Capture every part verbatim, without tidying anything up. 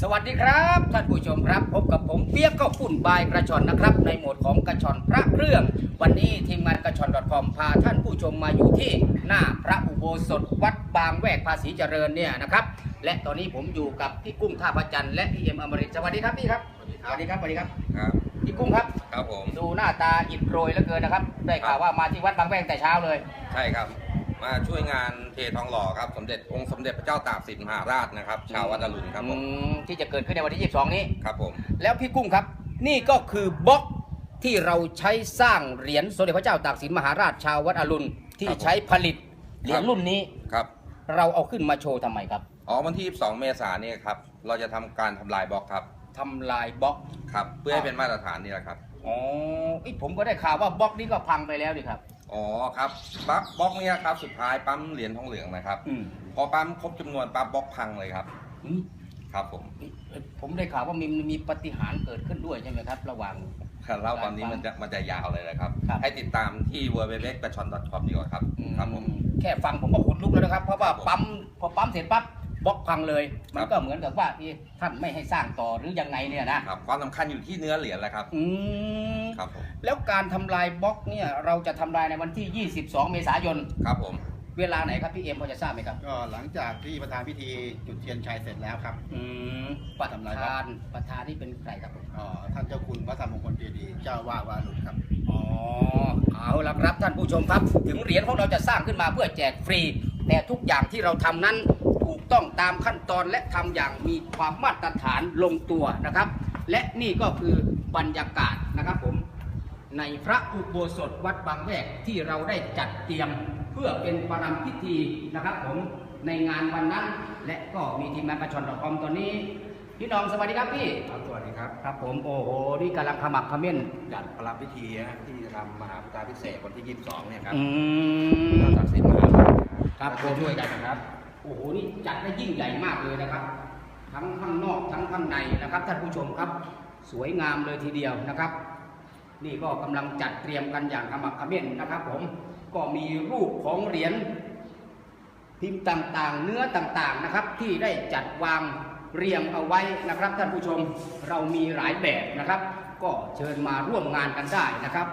วัสดีครับท่านผู้ชมครับพบกับผมเปียกก็ฝุ่นบายกระชอนนะครับในโหมดของกระชอนพระเครื่องวันนี้ทีมงานกระชอน .com พาท่านผู้ชมมาอยู่ที่หน้าพระอุโบสถวัดบางแวกภาษีเจริญเนี่ยนะครับและตอนนี้ผมอยู่กับพี่กุ้งท่าพระจันทร์และพี่เอ็มอมรินทร์สวัสดีครับพี่ครับสวัสดีครับสวัสดีครับครับพี่กุ้งครับครับผมดูหน้าตาอิดโรยเหลือเกินนะครับได้ข่าวว่ามาที่วัดบางแวกแต่เช้าเลยใช่ครับมาช่วยงานเททองหล่อครับสมเด็จองค์สมเด็จพระเจ้าตากสินมหาราชนะครับชาววัดอรุณครับผมที่จะเกิดขึ้นในวันที่ยี่สิบสองนี้ครับผมแล้วพี่กุ้งครับนี่ก็คือบล็อกที่เราใช้สร้างเหรียญสมเด็จพระเจ้าตากสินมหาราชชาววัดอรุณที่ใช้ผลิตเหรียญรุ่นนี้ครับเราเอาขึ้นมาโชว์ทำไมครับอ๋อวันที่ยี่สิบสองเมษายนนี้ครับเราจะทำการทำลายบล็อกครับทำลายบล็อกครับเพื่อให้เป็นมาตรฐานนี่แหละครับอ๋อผมก็ได้ข่าวว่าบล็อกนี้ก็พังไปแล้วดิครับอ๋อครับปั๊บบล็อกนี้ครับสุดท้ายปั๊มเหรียญทองเหลืองนะครับพอปั๊มครบจำนวนปั๊บบล็อกพังเลยครับครับผมผมได้ข่าวว่ามีมีปาฏิหาริย์เกิดขึ้นด้วยใช่ไหมครับระหว่างเล่าตอนนี้มันจะมันจะยาวเลยนะครับให้ติดตามที่ ดับเบิลยู ดับเบิลยู ดับเบิลยู ดอท กระชอน ดอท คอม ดีกว่าครับครับผมแค่ฟังผมก็ขนลุกแล้วนะครับเพราะว่าปั๊มพอปั๊มเสร็จปั๊บบล็อกพังเลยมันก็เหมือนกับว่าที่ท่านไม่ให้สร้างต่อหรือยังไงเนี่ยนะครับความสำคัญอยู่ที่เนื้อเหรียญแหละครับอืมครับผมแล้วการทำลายบล็อกเนี่ยเราจะทำลายในวันที่ยี่สิบสองเมษายนครับผมเวลาไหนครับพี่เอ็มพอจะทราบไหมครับก็หลังจากที่ประธานพิธีจุดเทียนชัยเสร็จแล้วครับอืมประธานประธานนี่เป็นใครครับอ๋อท่านเจ้าคุณพระธรรมมงคลเจดีย์เจ้าวาดวัดอรุณครับอ๋อเอาละครับท่านผู้ชมครับถึงเหรียญของเราจะสร้างขึ้นมาเพื่อแจกฟรีแต่ทุกอย่างที่เราทำนั้นถูกต้องตามขั้นตอนและทำอย่างมีความมาตรฐานลงตัวนะครับและนี่ก็คือบรรยากาศนะครับผมในพระอุโบสถวัดบางแวกที่เราได้จัดเตรียมเพื่อเป็นประรำพิธีนะครับผมในงานวันนั้นและก็มีทีมงานกระชอน .com ตอนนี้พี่น้องสวัสดีครับพี่ครับสวัสดีครับครับผมโอ้โหนี่กำลังขมักเขม้นจัดประรำพิธีนะที่จะทำมหาพุทธาพิเศษวันที่ยี่สิบสองเนี่ยครับอืมตัดสินมหาราชครับช่วยกันนะครับโอ้โหนี่จัดได้ยิ่งใหญ่มากเลยนะครับทั้งข้างนอกทั้งข้างในนะครับท่านผู้ชมครับสวยงามเลยทีเดียวนะครับนี่ก็กำลังจัดเตรียมกันอย่างขมักเขม้นนะครับผมก็มีรูปของเหรียญพิมพ์ต่างๆเนื้อต่างๆนะครับที่ได้จัดวางเรียงเอาไว้นะครับท่านผู้ชมเรามีหลายแบบนะครับก็เชิญมาร่วมงานกันได้นะครับ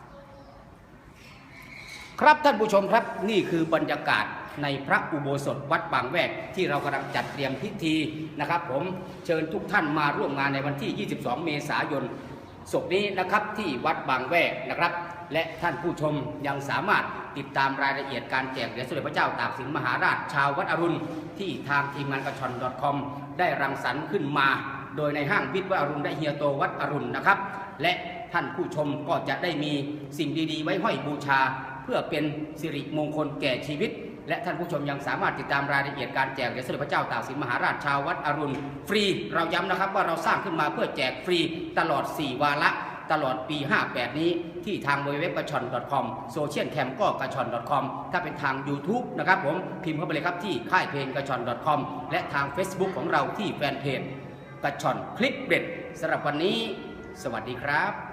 ครับท่านผู้ชมครับนี่คือบรรยากาศในพระอุโบสถวัดบางแวกที่เรากำลังจัดเตรียมพิธีนะครับผมเชิญทุกท่านมาร่วมงานในวันที่ยี่สิบสองเมษายนศกนี้นะครับที่วัดบางแวกนะครับและท่านผู้ชมยังสามารถติดตามรายละเอียดการแจกเหรียญสมเด็จพระเจ้าตากสินมหาราชชาววัดอรุณที่ทางทีมงานกระชอน .com ได้รังสรรค์ขึ้นมาโดยในห้างวิทย์วัดอรุณได้เฮียโตวัดอรุณนะครับและท่านผู้ชมก็จะได้มีสิ่งดีๆไว้ห้อยบูชาเพื่อเป็นสิริมงคลแก่ชีวิตและท่านผู้ชมยังสามารถติดตามรายละเอียดการแจกเหรียญสมเด็จพระเจ้าตากสินมหาราชชาววัดอรุณฟรีเราย้ำนะครับว่าเราสร้างขึ้นมาเพื่อแจกฟรีตลอดสี่วาระตลอดปีห้าแปดนี้ที่ทางเว็บกระชอน .com โซเชียลแคมก็กระชอน .com ถ้าเป็นทาง YouTube นะครับผมพิมพ์เข้าไปเลยครับที่ค่ายเพลงกระชอน .com และทาง Facebook ของเราที่แฟนเพจกระชอนคลิปเด็ดสำหรับวันนี้สวัสดีครับ